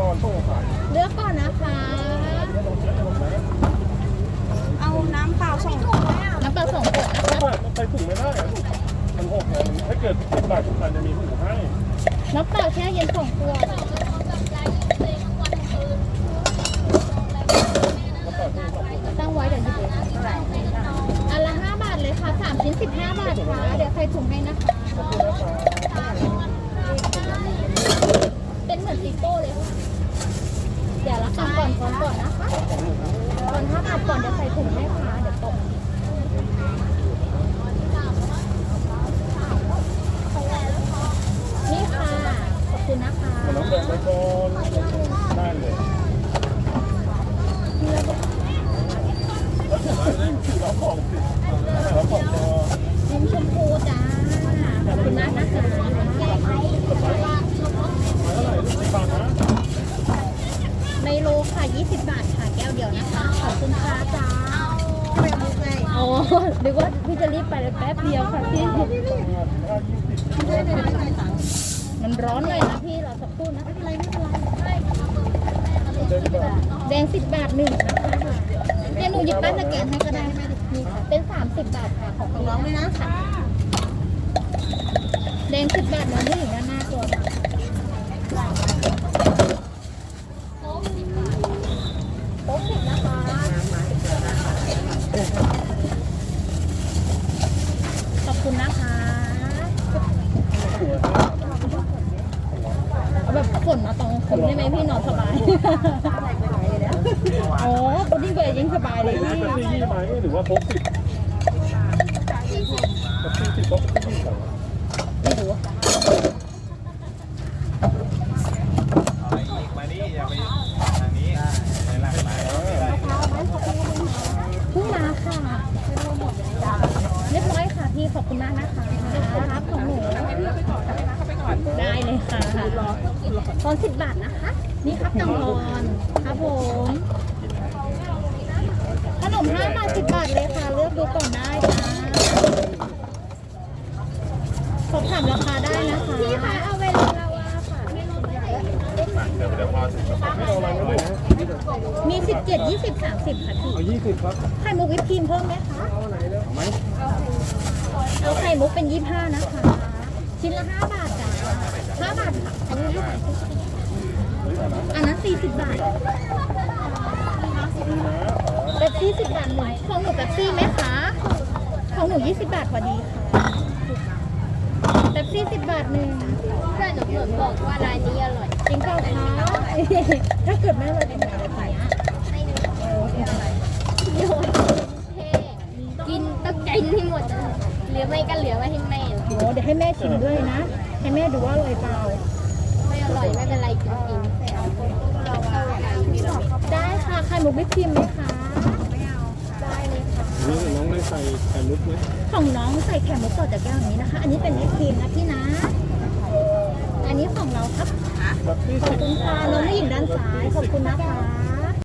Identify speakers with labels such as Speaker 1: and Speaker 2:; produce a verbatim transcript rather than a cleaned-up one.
Speaker 1: อนโต้ขาย
Speaker 2: เลือกก่อนนะคะ
Speaker 3: เอาน้ำเปล่าสองถุง
Speaker 2: น้ำปลาสองขวดนะ
Speaker 1: ไม่
Speaker 2: คะ
Speaker 1: ไม่มันใส่ถุงไม่ได้อะลูกมันหกไงมันถ้าเกิดสิบบาททุกคนจะมีถุงให้
Speaker 2: น้ำเปล่าแช่เย็นสองขวด
Speaker 1: แล้วต่อที่สองถุง
Speaker 2: ตั้งไว้เดี๋ยวหยิบเองอันละห้าบาทเลยค่ะสามชิ้นสิบห้าบาทค่ะ เดี๋ยวใส่ถุงให้นะคะ
Speaker 1: ขอบคุณนะคะ
Speaker 2: เป็นเหมือนซิโก้เลยค่ะเดี๋ยวละกันก่อนก่อนก่อนนะคะก่อนห้าบาทก่อนเดี๋ยวใส่ถุงให้ค่ะเดี๋ยวตกนี่ค่ะ ขอบคุณนะคะ
Speaker 1: มันน้ำแดงไปก่อนได้เลยแล้วถุงอะไรเนี่ยรับของสิรับของพอ
Speaker 2: ยิ้มชมพูจ้า ขอบคุณมากนะคะ
Speaker 1: เท่าไหร่ลูกสิบบาทนะ
Speaker 2: ไมโลค่ะยี่สิบบาทค่ะแก้วเดียวนะคะ ขอบคุณค่ะจ้า
Speaker 3: ไปมุกไง
Speaker 2: โอ้นึกว่าพี่จะรีบไปเลยแป๊บเดียวค่ะพี่
Speaker 1: ห้ายี่สิบ
Speaker 2: มันร้อนเลยนะพี่เราสักครู่นะไม่เป็นไรไม่เป็นไร
Speaker 1: เดินดีกว่า
Speaker 2: แดงสิบบาทหนึ่งนะคะเดี๋ยวหนูหยิบป้ายสแกนให้ก็ได้นี่ค่ะเป็นสามสิบบาทค่ะของ
Speaker 3: ของน้องเลยนะ
Speaker 2: แดงสิบบาทแล้วนี่อยู่ด้านหน้าตัวค่ะโป๊กสิบนะคะขอบคุณนะคะเอาแบบฝนมาตรงผมได้ไหมพี่นอนสบายโอ้ปุ๊ดดิ้งเบย์ยิ่งสบายเลยพี่
Speaker 1: เป็นที่ยี่ไหมหรือว่าพกสิบกับที่สิบพกที่ยี่สิบ
Speaker 2: ไม่รู้
Speaker 4: มานี่อย่าไปทางนี้ไปหลังไหน
Speaker 2: เพิ่งมาค่ะเรียบร้อยค่ะพี่ขอบคุณมากนะคะรับของหนูได้เลยค่ะตอนสิบบาทนะคะ นี่ครับตังทอนครับผมขนมห้าบาทสิบบาทเลยค่ะ เลือกดูก่อนได้ค่ะสอบถามราคาได้นะคะพี่คะเอาเวลาเราอะค่ะ
Speaker 4: เดี๋ยวเดี๋ยวพอถึง
Speaker 1: ไม่เอาอะไรนะลูก
Speaker 2: มีสิบเจ็ดยี่สิบสามสิบค่ะพี่
Speaker 1: เอายี่สิบครับ
Speaker 2: ไข่มุกวิปครีมเพิ่มไหมคะ
Speaker 1: เอาไหนเนาะเอาไหม
Speaker 2: เอาไข่มุกเป็นยี่ห้านะคะ ชิ้นละห้าบาทจ้าห้าบาทค่ะอันนี้ห้าบาทอันนั้นสี่สิบบาทเป๊ปซี่สิบบาทหนึ่งของหนูเป๊ปซี่ไหมคะของหนูยี่สิบบาทพอดีค่ะเป๊ปซี่สิบบาทหนึ่งเพื่อนหนูเปิดบอกว่าร้านนี้อร่อยจริงเปล่าคะถ้าเกิดไม่อร่อยจะมาอะไรไปอ่ะ
Speaker 5: กินต้องกินให้หมดอะเหลือไม่ก็เหลือไว้ให้แม่
Speaker 2: โอ้เดี๋ยวให้แม่ชิมด้วยนะ ให้แม่ดูว่าอร่อยเปล่า
Speaker 5: ไม่อร่อยไม่เป็นไรกินกิน
Speaker 2: ได้ค่ะไข่มุกวิปครีมไหมคะได้เลยค่ะ
Speaker 1: นี่น้องได้ใส่ไข่มุกไหม
Speaker 2: ของน้องใส่ไข่มุกต่อจากแก้วนี้นะคะ อันนี้เป็นวิปครีมนะพี่นะ อันนี้ของเราครับ
Speaker 1: แบบที่
Speaker 2: ขอ
Speaker 1: สิ
Speaker 2: บบ คุณค่ะน้องผู้หญิงด้านซ้าย ขอบคุณนะคะ